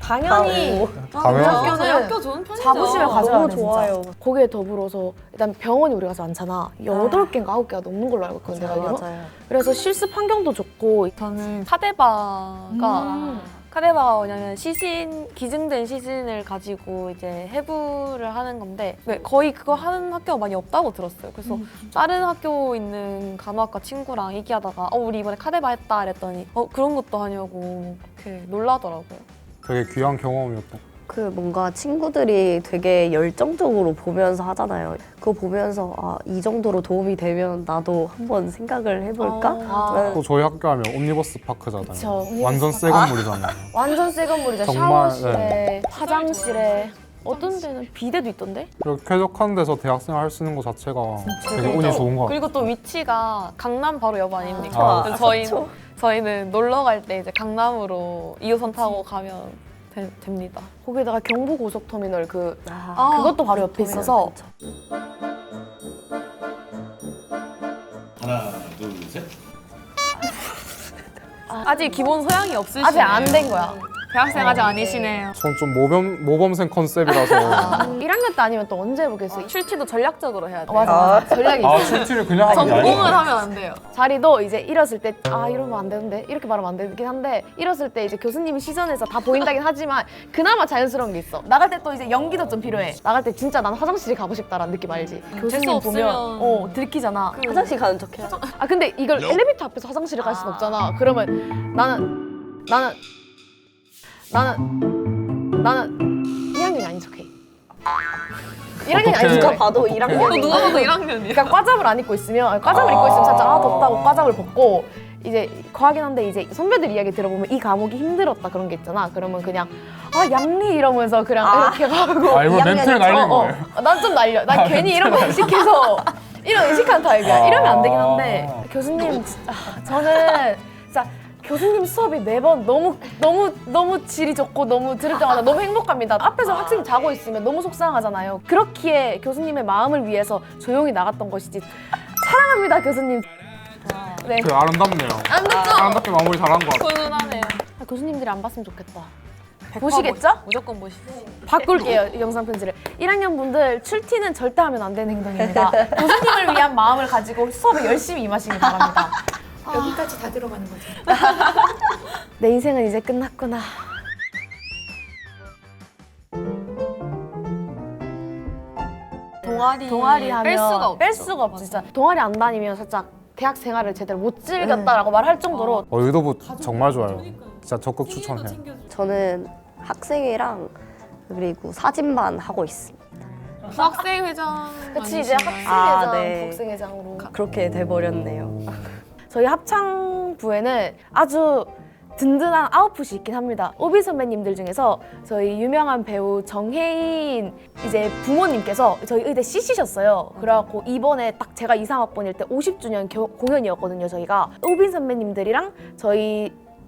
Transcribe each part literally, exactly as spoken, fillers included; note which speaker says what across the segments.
Speaker 1: 당연히
Speaker 2: 당연히.
Speaker 1: 학교는
Speaker 3: 학교 좋은 편이죠.
Speaker 1: 자부심을 가져야
Speaker 4: 너무
Speaker 1: 돼,
Speaker 4: 좋아요.
Speaker 1: 진짜. 거기에 더불어서 일단 병원이 우리가 많잖아. 여덟 개인가 아홉 개가 넘는 걸로 알고 있거든, 내가 알기로.
Speaker 4: 맞아요.
Speaker 1: 그래서 실습 환경도 좋고.
Speaker 3: 저는 카데바가
Speaker 1: 음.
Speaker 3: 카데바가 뭐냐면 시신, 기증된 시신을 가지고 이제 해부를 하는 건데 네, 거의 그거 하는 학교가 많이 없다고 들었어요. 그래서 다른 학교 있는 간호학과 친구랑 얘기하다가 어 우리 이번에 카데바 했다 이랬더니 어 그런 것도 하냐고 이렇게 놀라더라고요.
Speaker 2: 되게 귀한 경험이었던.
Speaker 4: 그 뭔가 친구들이 되게 열정적으로 보면서 하잖아요. 그거 보면서 아, 이 정도로 도움이 되면 나도 한번 생각을 해볼까?
Speaker 1: 아.
Speaker 2: 또 저희 학교 하면 옴니버스 파크잖아요.
Speaker 1: 그쵸,
Speaker 2: 완전 새 건물이잖아요.
Speaker 1: 완전 새 건물이죠.
Speaker 2: 정말,
Speaker 1: 샤워실에, 화장실에. 어떤 데는 비데도 있던데?
Speaker 2: 그리고 쾌적한 데서 대학생 할 수 있는 것 자체가 되게
Speaker 3: 그리고
Speaker 2: 운이 좋은 것 같아요.
Speaker 3: 그리고 또 위치가 강남 바로 옆 아닙니까?
Speaker 2: 아,
Speaker 3: 그래서 저희 저희는 놀러 갈 때 이제 강남으로 이 호선 타고 가면 되, 됩니다.
Speaker 1: 거기다가 경부 고속터미널 그
Speaker 4: 아,
Speaker 1: 그것도 바로 옆에 있어서
Speaker 5: 하나, 둘, 셋.
Speaker 3: 아직 기본 소양이 없으시네요.
Speaker 1: 아직 안 된 거야.
Speaker 3: 대학생 아직 아니시네요.
Speaker 2: 전 좀 모범, 모범생 컨셉이라서
Speaker 1: 일 학년 때 아니면 또 언제 해보겠어?
Speaker 3: 출티도 전략적으로 해야 돼요.
Speaker 1: 어, 맞아, 맞아. 전략이
Speaker 2: 아
Speaker 1: 있어.
Speaker 2: 출티를 그냥 하는 게
Speaker 3: 전공을
Speaker 2: 아니에요.
Speaker 3: 하면 안 돼요.
Speaker 1: 자리도 이제 일었을 때 아 이러면 안 되는데 이렇게 말하면 안 되긴 한데 일었을 때 이제 교수님 시선에서 다 보인다긴 하지만 그나마 자연스러운 게 있어. 나갈 때 또 이제 연기도 좀 필요해. 나갈 때 진짜 난 화장실에 가고 싶다라는 느낌 알지? 교수님
Speaker 3: 재수
Speaker 1: 보면
Speaker 3: 없으면
Speaker 1: 어 들키잖아.
Speaker 4: 화장실 가는 척 해야죠.
Speaker 1: 아 근데 이걸 엘리베이터 앞에서 화장실에 갈 순 없잖아. 그러면 나는 나는 나는 나는 이 학년이 아닌 척해. 일 학년이 아닌
Speaker 2: 어떡해.
Speaker 1: 척해.
Speaker 4: 누가 봐도 일 학년.
Speaker 3: 또 누가 봐도 일 학년이야.
Speaker 1: 그러니까 과잡을 안 입고 있으면 아니, 과잡을 입고 있으면 살짝 아 덥다고 과잡을 벗고 이제 과하긴 한데 이제 선배들 이야기 들어보면 이 과목이 힘들었다 그런 게 있잖아. 그러면 그냥 아 양리 이러면서 그냥
Speaker 4: 아.
Speaker 1: 이렇게 가고
Speaker 2: 아 이거 멘트를 날린 거예요.
Speaker 1: 난 좀 날려. 난 괜히 이런 거 의식해서 이런 의식한 타입이야.
Speaker 2: 아.
Speaker 1: 이러면 안 되긴 한데 교수님 진짜 아, 저는 진짜 교수님 수업이 매번 너무 너무 너무 질이 좋고 너무 들을 때마다 너무 행복합니다. 앞에서 학생이 자고 있으면 너무 속상하잖아요. 그렇기에 교수님의 마음을 위해서 조용히 나갔던 것이지. 사랑합니다 교수님. 네.
Speaker 2: 되게 아름답네요.
Speaker 1: 안 됐죠?
Speaker 2: 아름답게 마무리 잘한 것 같아요.
Speaker 3: 훈훈하네요.
Speaker 1: 아, 교수님들이 안 봤으면 좋겠다. 보시겠죠?
Speaker 3: 무조건 보시죠.
Speaker 1: 바꿀게요 이 영상 편지를. 일 학년 분들 출티는 절대 하면 안 되는 행동입니다. 교수님을 위한 마음을 가지고 수업에 열심히 임하시기 바랍니다.
Speaker 6: 여기까지 다 들어가는 거죠.
Speaker 1: 내 인생은 이제 끝났구나.
Speaker 3: 동아리
Speaker 1: 동아리 하면
Speaker 3: 뺄 수가 없죠.
Speaker 1: 뺄 수가 없지 진짜. 동아리 안 다니면 살짝 대학 생활을 제대로 못 즐겼다라고 말할 정도로
Speaker 2: 어, 의도부 정말 좋아요. 진짜 적극 추천해요.
Speaker 4: 저는 학생회랑 그리고 사진반 하고 있습니다.
Speaker 3: 학생 회장.
Speaker 1: 그치 이제 학생회장,
Speaker 4: 아, 네.
Speaker 1: 복생회장으로
Speaker 4: 그렇게 돼버렸네요.
Speaker 1: 저희 합창부에는 아주 든든한 아웃풋이 있긴 합니다. 오비 선배님들 중에서 저희 유명한 배우 정혜인 이제 부모님께서 저희 의대 씨씨셨어요. 그래갖고 이번에 딱 제가 이상학번일 때 오십 주년 겨, 공연이었거든요. 저희가 오빈 선배님들이랑 저희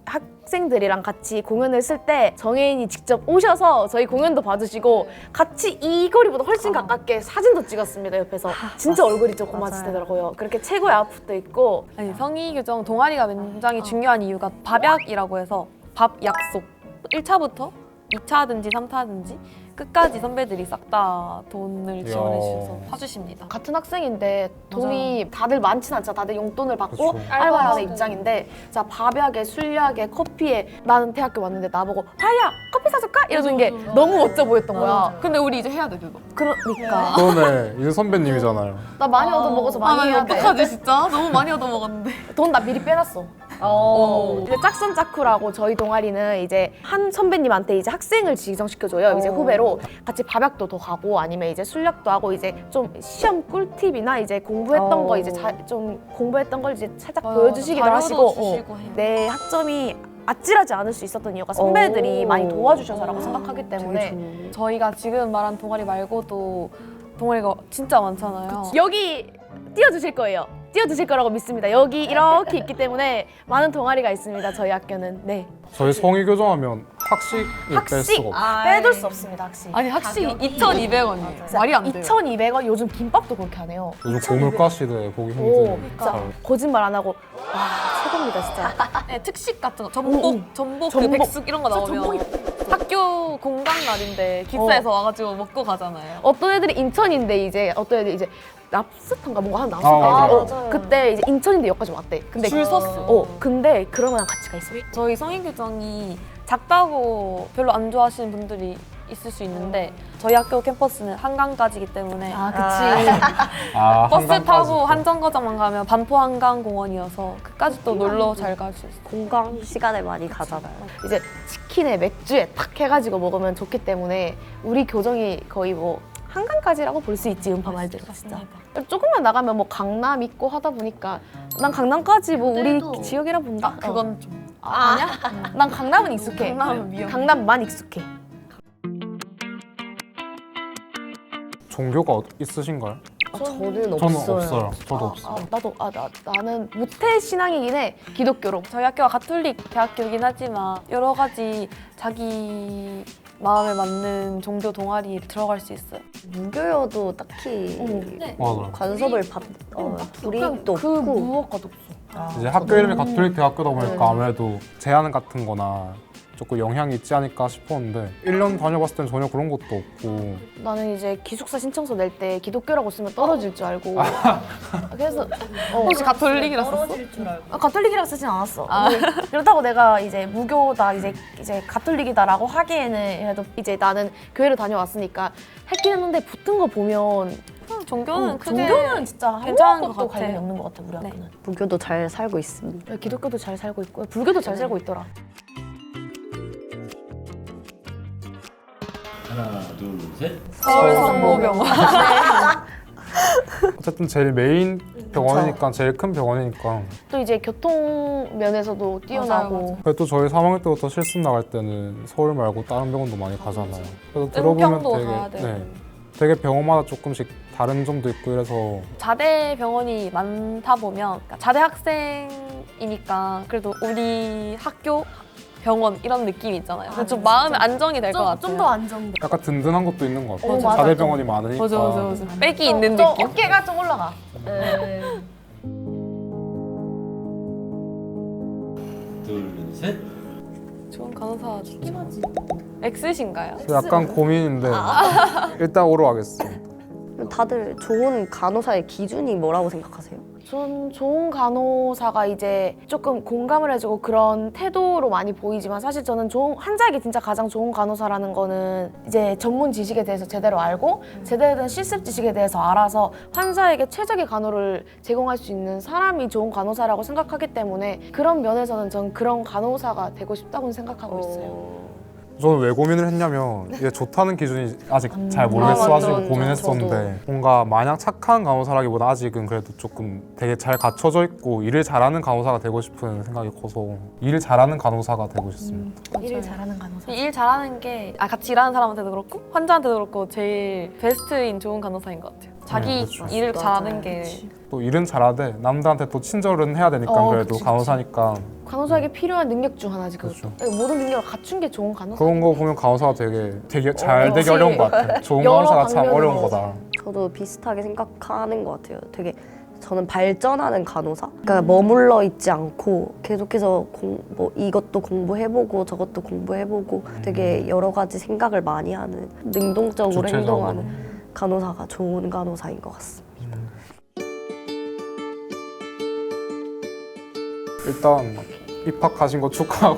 Speaker 1: 학생들이랑 같이 공연을 쓸 때 정혜인이 직접 오셔서 저희 공연도 봐주시고 같이 이 거리보다 훨씬 가깝게 사진도 찍었습니다. 옆에서 진짜 얼굴이 조금
Speaker 4: 맞아요.
Speaker 1: 마주치더라고요. 그렇게 최고의 아웃풋도 있고
Speaker 3: 아니 성의 교정 동아리가 굉장히 중요한 이유가 밥약이라고 해서 밥 약속 일 차부터 이 차든지 삼 차든지 끝까지 선배들이 싹 다 돈을 지원해 주셔서 사주십니다.
Speaker 1: 같은 학생인데 돈이 다들 많진 않죠. 다들 용돈을 받고
Speaker 2: 그쵸.
Speaker 1: 알바를 하는
Speaker 3: 알바하고.
Speaker 1: 입장인데 자 밥약에 술약에 커피에 나는 대학교 왔는데 나보고 하야 커피 사줄까? 이러는 게 너무 멋져 보였던 거야.
Speaker 3: 근데 우리 이제 해야 돼 그거.
Speaker 1: 그러니까
Speaker 2: 그러네. 이제 선배님이잖아요.
Speaker 1: 나 많이 얻어먹어서 많이
Speaker 3: 아, 나
Speaker 1: 해야 돼.
Speaker 3: 어떡하지 진짜? 너무 많이 얻어 먹었는데.
Speaker 1: 돈 나 미리 빼놨어. 이제 짝선 짝쿠라고 저희 동아리는 이제 한 선배님한테 이제 학생을 지정시켜줘요. 이제 후배로 같이 밥약도 더 가고 아니면 이제 술약도 하고 이제 좀 시험 꿀팁이나 이제 공부했던
Speaker 4: 오.
Speaker 1: 거 이제 자, 좀 공부했던 걸 이제 살짝
Speaker 3: 맞아,
Speaker 1: 보여주시기도
Speaker 3: 자료도
Speaker 1: 하시고
Speaker 3: 주시고
Speaker 1: 어,
Speaker 3: 해요.
Speaker 1: 내 학점이 아찔하지 않을 수 있었던 이유가 선배들이
Speaker 4: 오.
Speaker 1: 많이 도와주셔서라고 생각하기
Speaker 4: 되게
Speaker 1: 때문에
Speaker 4: 좋네.
Speaker 3: 저희가 지금 말한 동아리 말고도 동아리가 진짜 많잖아요.
Speaker 1: 여기 띄워주실 거예요. 띄워주실 거라고 믿습니다. 여기 이렇게 있기 때문에 많은 동아리가 있습니다. 저희 학교는. 네.
Speaker 2: 저희 성의 교정하면 학식을 뺄
Speaker 1: 학식
Speaker 2: 수가 없어요.
Speaker 1: 아, 빼둘 수 없습니다. 학식.
Speaker 3: 아니 학식이 이천이백 원이에요. 말이 안 돼요.
Speaker 1: 이천이백 원 요즘 김밥도 그렇게 하네요.
Speaker 2: 요즘 고물가 시대에 보기
Speaker 1: 오,
Speaker 2: 힘든.
Speaker 1: 진짜
Speaker 2: 잘.
Speaker 1: 거짓말 안 하고 와 최고입니다 진짜.
Speaker 3: 네, 특식 같은 거 전복,
Speaker 1: 오, 오.
Speaker 3: 전복, 그
Speaker 1: 전복.
Speaker 3: 백숙 이런 거 나오면
Speaker 1: 전복이
Speaker 3: 학교 공강 날인데 기차에서 와가지고 먹고 가잖아요.
Speaker 1: 어떤 애들이 인천인데 이제 어떤 애들이 이제 랍스터인가 뭔가 하나
Speaker 2: 아,
Speaker 1: 나왔을 때
Speaker 2: 맞아요.
Speaker 1: 어, 그때 이제 인천인데 여기까지 왔대. 근데
Speaker 3: 줄 섰어.
Speaker 1: 어 근데 그러면 같이 가 있어.
Speaker 3: 저희 성인 교정이 작다고 별로 안 좋아하시는 분들이 있을 수 있는데 저희 학교 캠퍼스는 한강까지기 때문에
Speaker 1: 아 그치.
Speaker 2: 아,
Speaker 3: 버스
Speaker 2: 한강까지
Speaker 3: 타고
Speaker 2: 또.
Speaker 3: 한정거장만 가면 반포 한강공원이어서 그까지 또 놀러 잘 갈 수 있어요.
Speaker 4: 공강 시간에 많이 가잖아요.
Speaker 1: 이제 치킨에 맥주에 탁 해가지고 먹으면 좋기 때문에 우리 교정이 거의 뭐 한강까지라고 볼 수 있지 음파 말대로 진짜. 조금만 나가면 뭐 강남 있고 하다 보니까 난 강남까지 뭐 우리 지역이라 본다.
Speaker 3: 아, 그건 좀
Speaker 1: 아, 아니야? 난 강남은 익숙해.
Speaker 3: 강남은 위험해.
Speaker 1: 강남만 익숙해.
Speaker 2: 종교가 어- 있으신가요?
Speaker 4: 아, 저는
Speaker 2: 저는
Speaker 4: 없어요.
Speaker 2: 없어요. 저도
Speaker 1: 아,
Speaker 2: 없어요.
Speaker 1: 아, 나도 아, 나, 나는 모태 신앙이긴 해. 기독교로.
Speaker 3: 저희 학교가 가톨릭 대학교이긴 하지만 여러 가지 자기 마음에 맞는 종교 동아리에 들어갈 수 있어요.
Speaker 4: 무교여도 딱히
Speaker 2: 맞아요.
Speaker 4: 관섭을 받 어, 불이익도
Speaker 1: 그
Speaker 4: 없고
Speaker 1: 무엇과도 없어.
Speaker 2: 이제 학교 이름이 가톨릭 대학교다 보니까 아무래도 제한 같은 거나 조금 영향이 있지 않을까 싶었는데 일 년 다녀봤을 땐 전혀 그런 것도 없고
Speaker 1: 나는 이제 기숙사 신청서 낼 때 기독교라고 쓰면 떨어질 줄 알고. 그래서 어,
Speaker 3: 혹시 가톨릭이라 썼어?
Speaker 1: 아, 가톨릭이라고 쓰진 않았어. 근데 그렇다고 내가 이제 무교다 이제 이제 가톨릭이다라고 하기에는 그래도 이제 나는 교회를 다녀왔으니까 했긴 했는데 붙은 거 보면
Speaker 3: 종교는
Speaker 1: 어,
Speaker 3: 크게
Speaker 1: 종교는 진짜
Speaker 3: 괜찮은 것
Speaker 1: 아무것도
Speaker 3: 같아.
Speaker 1: 관련이 없는 것 같아 우리
Speaker 3: 네.
Speaker 1: 학교는.
Speaker 4: 무교도 잘 살고 있습니다.
Speaker 1: 기독교도 잘 살고 있고 불교도 잘 살고 있더라.
Speaker 5: 하나, 둘, 셋.
Speaker 3: 서울 성모병원.
Speaker 2: 어쨌든 제일 메인 병원이니까 제일 큰 병원이니까
Speaker 1: 또 이제 교통 면에서도 뛰어나고
Speaker 3: 맞아요.
Speaker 2: 그래도 또 저희 삼 학년 때부터 실습 나갈 때는 서울 말고 다른 병원도 많이 가잖아요. 그래서 들어보면
Speaker 3: 은평도
Speaker 2: 되게
Speaker 3: 가야 되고.
Speaker 2: 네, 되게 병원마다 조금씩 다른 점도 있고 이래서
Speaker 3: 자대 병원이 많다 보면 그러니까 자대 학생이니까 그래도 우리 학교 병원 이런 느낌이 있잖아요. 그래서 좀 마음의 안정이 될 것 같아요.
Speaker 1: 좀 더 안정돼.
Speaker 2: 약간 든든한 것도 있는 것 같아요.
Speaker 1: 어, 맞아.
Speaker 2: 자대 병원이 많으니까.
Speaker 3: 맞아 맞아 맞아. 빽이 있는
Speaker 1: 좀
Speaker 3: 느낌.
Speaker 1: 어깨가 좀 올라가.
Speaker 5: 둘, 셋.
Speaker 3: 좋은 간호사 좋긴 하지. X신가요?
Speaker 2: 약간 고민인데 일단 오로 하겠습니다.
Speaker 4: 다들 좋은 간호사의 기준이 뭐라고 생각하세요?
Speaker 1: 전 좋은 간호사가 이제 조금 공감을 해주고 그런 태도로 많이 보이지만 사실 저는 좋은, 환자에게 진짜 가장 좋은 간호사라는 거는 이제 전문 지식에 대해서 제대로 알고 제대로 된 실습 지식에 대해서 알아서 환자에게 최적의 간호를 제공할 수 있는 사람이 좋은 간호사라고 생각하기 때문에 그런 면에서는 전 그런 간호사가 되고 싶다고 생각하고 있어요.
Speaker 2: 저는 왜 고민을 했냐면 이게 좋다는 기준이 아직 잘
Speaker 4: 아,
Speaker 2: 모르겠어가지고
Speaker 4: 맞아,
Speaker 2: 고민했었는데 뭔가 마냥 착한 간호사라기보다 아직은 그래도 조금 되게 잘 갖춰져 있고 일을 잘하는 간호사가 되고 싶은 생각이 커서 일 잘하는 간호사가 되고 싶습니다.
Speaker 1: 일을 잘하는 간호사.
Speaker 3: 일 잘하는 게 아, 같이 일하는 사람한테도 그렇고 환자한테도 그렇고 제일 베스트인 좋은 간호사인 것 같아요. 자기
Speaker 2: 네, 그렇죠.
Speaker 3: 일을
Speaker 4: 맞아요.
Speaker 3: 잘하는 게
Speaker 2: 또 일은 잘하되 남들한테 또 친절은 해야 되니까
Speaker 1: 어,
Speaker 2: 그래도
Speaker 1: 그치, 그치.
Speaker 2: 간호사니까
Speaker 1: 간호사에게 필요한 능력 중 하나지 그것도.
Speaker 2: 그렇죠.
Speaker 1: 모든 능력을 갖춘 게 좋은 간호사.
Speaker 2: 그런 거 보면 간호사가 되게 되게 잘 되기
Speaker 1: 그치.
Speaker 2: 어려운 것 같아요. 좋은
Speaker 1: 여러
Speaker 2: 간호사가 참
Speaker 1: 방면으로.
Speaker 2: 어려운 거다.
Speaker 4: 저도 비슷하게 생각하는 것 같아요. 되게 저는 발전하는 간호사? 그러니까 머물러 있지 않고 계속해서 공, 뭐 이것도 공부해보고 저것도 공부해보고 되게 여러 가지 생각을 많이 하는 능동적으로
Speaker 2: 주체적으로.
Speaker 4: 행동하는 간호사가 좋은 간호사인 것 같습니다.
Speaker 2: 일단 입학하신 거 축하하고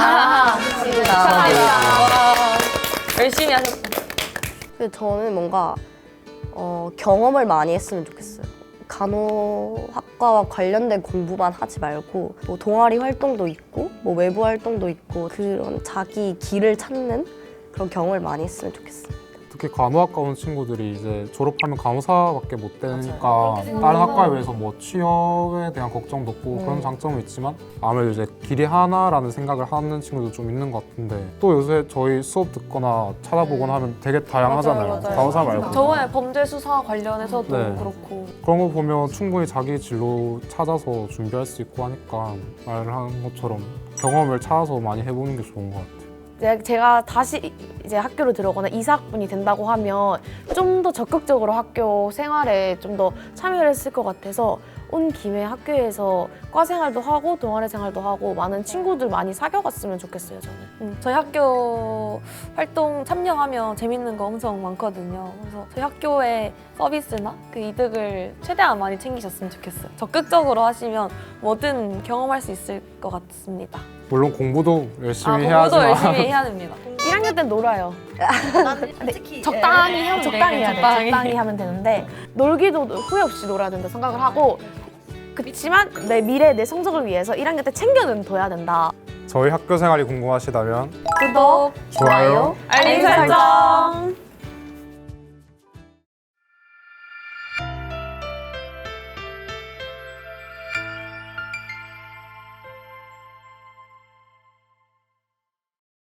Speaker 3: 열심히 하셨다.
Speaker 4: 근데 저는 뭔가 어, 경험을 많이 했으면 좋겠어요. 간호학과와 관련된 공부만 하지 말고 뭐 동아리 활동도 있고 뭐 외부 활동도 있고 그런 자기 길을 찾는 그런 경험을 많이 했으면 좋겠어요.
Speaker 2: 특히 간호학과 온 친구들이 이제 졸업하면 간호사밖에 못 되니까 다른 학과에 비해서 뭐 취업에 대한 걱정도 없고 그런 장점은 있지만 아무래도 이제 길이 하나라는 생각을 하는 친구도 좀 있는 것 같은데 또 요새 저희 수업 듣거나 찾아보거나 하면 되게 다양하잖아요.
Speaker 3: 맞아요, 맞아요.
Speaker 2: 간호사 말고
Speaker 3: 저번에 범죄 수사 관련해서도
Speaker 2: 네.
Speaker 3: 그렇고
Speaker 2: 그런 거 보면 충분히 자기 진로 찾아서 준비할 수 있고 하니까 말을 하는 것처럼 경험을 찾아서 많이 해보는 게 좋은 것 같아요.
Speaker 1: 이제 제가 다시 이제 학교로 들어오거나 이사학번이 된다고 하면 좀 더 적극적으로 학교 생활에 좀 더 참여를 했을 것 같아서 온 김에 학교에서 과 생활도 하고 동아리 생활도 하고 많은 친구들 많이 사귀어갔으면 좋겠어요, 저는.
Speaker 3: 음, 저희 학교 활동 참여하면 재밌는 거 엄청 많거든요. 그래서 저희 학교의 서비스나 그 이득을 최대한 많이 챙기셨으면 좋겠어요. 적극적으로 하시면 뭐든 경험할 수 있을 것 같습니다.
Speaker 2: 물론 공부도 열심히
Speaker 3: 아,
Speaker 2: 해야지만
Speaker 3: 공부도 열심히 해야 됩니다.
Speaker 1: 일 학년 땐 놀아요.
Speaker 6: 솔직히
Speaker 3: 적당히 하면
Speaker 1: 적당히
Speaker 3: 돼요.
Speaker 1: 해야 돼. 적당히 하면 되는데 놀기도 후회 없이 놀아야 된다 생각을 하고 그렇지만 내 미래, 내 성적을 위해서 일 학년 때 챙겨는 둬야 된다.
Speaker 2: 저희 학교 생활이 궁금하시다면
Speaker 3: 구독,
Speaker 2: 좋아요,
Speaker 3: 알림 설정.